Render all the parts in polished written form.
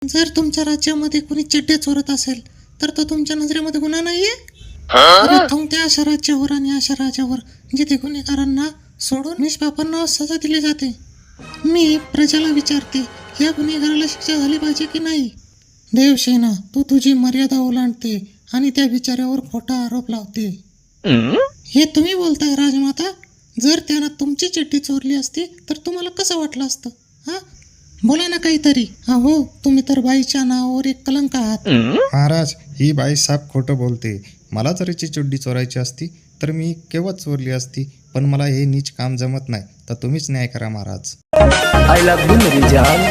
जर तुमच्या राज्यामध्ये कोणी चड्डे चोरत असेल तर तो तुमच्या नजरेमध्ये गुन्हा नाहीये? प्रथम त्या अशा राज्यावर आणि अशा राजावर जिथे गुन्हेगारांना सोडून निष्पापांना सजा दिली जाते. मी प्रजेला विचारते, या गुन्हेगाराला शिक्षा झाली पाहिजे की नाही? देवसेना, तू तुझी मर्यादा ओलांडते आणि त्या बिचाऱ्यावर खोटा आरोप लावते. हे तुम्ही बोलताय राजमाता? जर त्यानं तुमची चिठ्ठी चोरली असती तर तुम्हाला कसं वाटलं असतं? हा, बोला ना काहीतरी. हो, तुम्ही तर बाईच्या नावावर एक कलंक आहात. महाराज, ही बाई साप खोटं बोलते. मला जर हिची चड्डी चोरायची असती तर मी केव्हाच चोरली असती, पण मला हे नीच काम जमत नाही, तर तुम्हीच न्याय करा महाराज. आय लव्ह यू मेरी जान.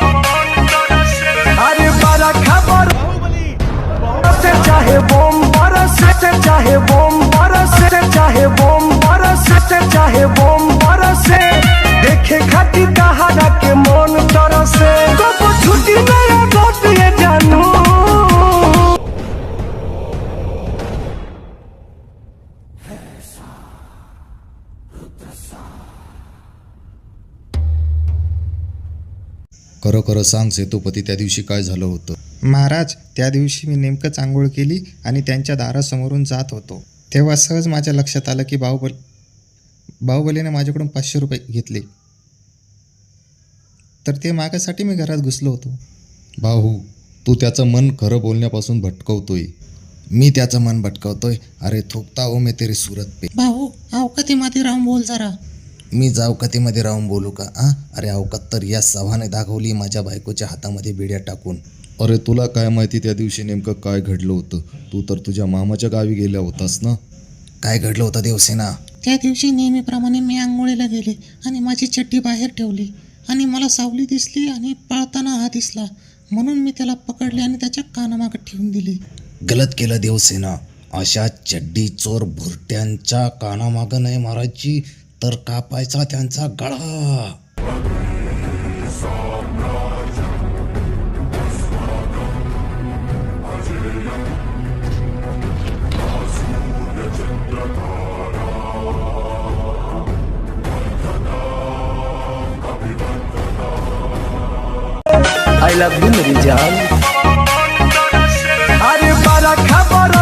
अरे बड़ा खबर चाहे बम बरसे, चाहे बम बरसे, चाहे बम बरसे, चाहे बम बरसे, देखे खाती कहारा के मन तरसे, कब छुट्टी नया गोट ये जानू. खरं खरं सांग सेतुपती, त्या दिवशी काय झालं होतं? महाराज, त्या दिवशी मी नेमकंच आंघोळ केली आणि त्यांच्या दारासमोरून जात होतो, तेव्हा सहज माझ्या लक्षात आलं की बाहुबलीने माझ्याकडून 500 रुपये घेतले, तर ते मागासाठी मी घरात घुसलो होतो. भाऊ, तू त्याचं मन खरं बोलण्यापासून भटकवतोय. मी त्याचं मन भटकवतोय? अरे थोकता हो मी तेरी सूरत पे. भाऊ, अवकातीमध्ये राहून बोल जरा. मी जावकातीमध्ये राहून बोलू का? अरे अवकात तर या सभाने दाखवली माझ्या बायकोच्या हातामध्ये बिड्या टाकून. अरे तुला काय माहिती त्या दिवशी नेमकं काय घडलं होतं? तू तर तुझ्या मामाच्या गावी गेल्या होतास ना? काय घडलं होतं देवसेना? त्या दिवशी नेहमीप्रमाणे मी आंघोळीला गेले आणि माझी चड्डी बाहेर ठेवली आणि मला सावली दिसली आणि पळताना हा दिसला, म्हणून मी त्याला पकडले आणि त्याच्या कानामागे ठेवून दिली. गलत केलं देवसेना. अशा चड्डी चोर भुरट्यांच्या कानामागं नाही मारायची, तर कापायचा त्यांचा गळा. आय लव्ह यू मेरी जान. अरे बड़ा खबर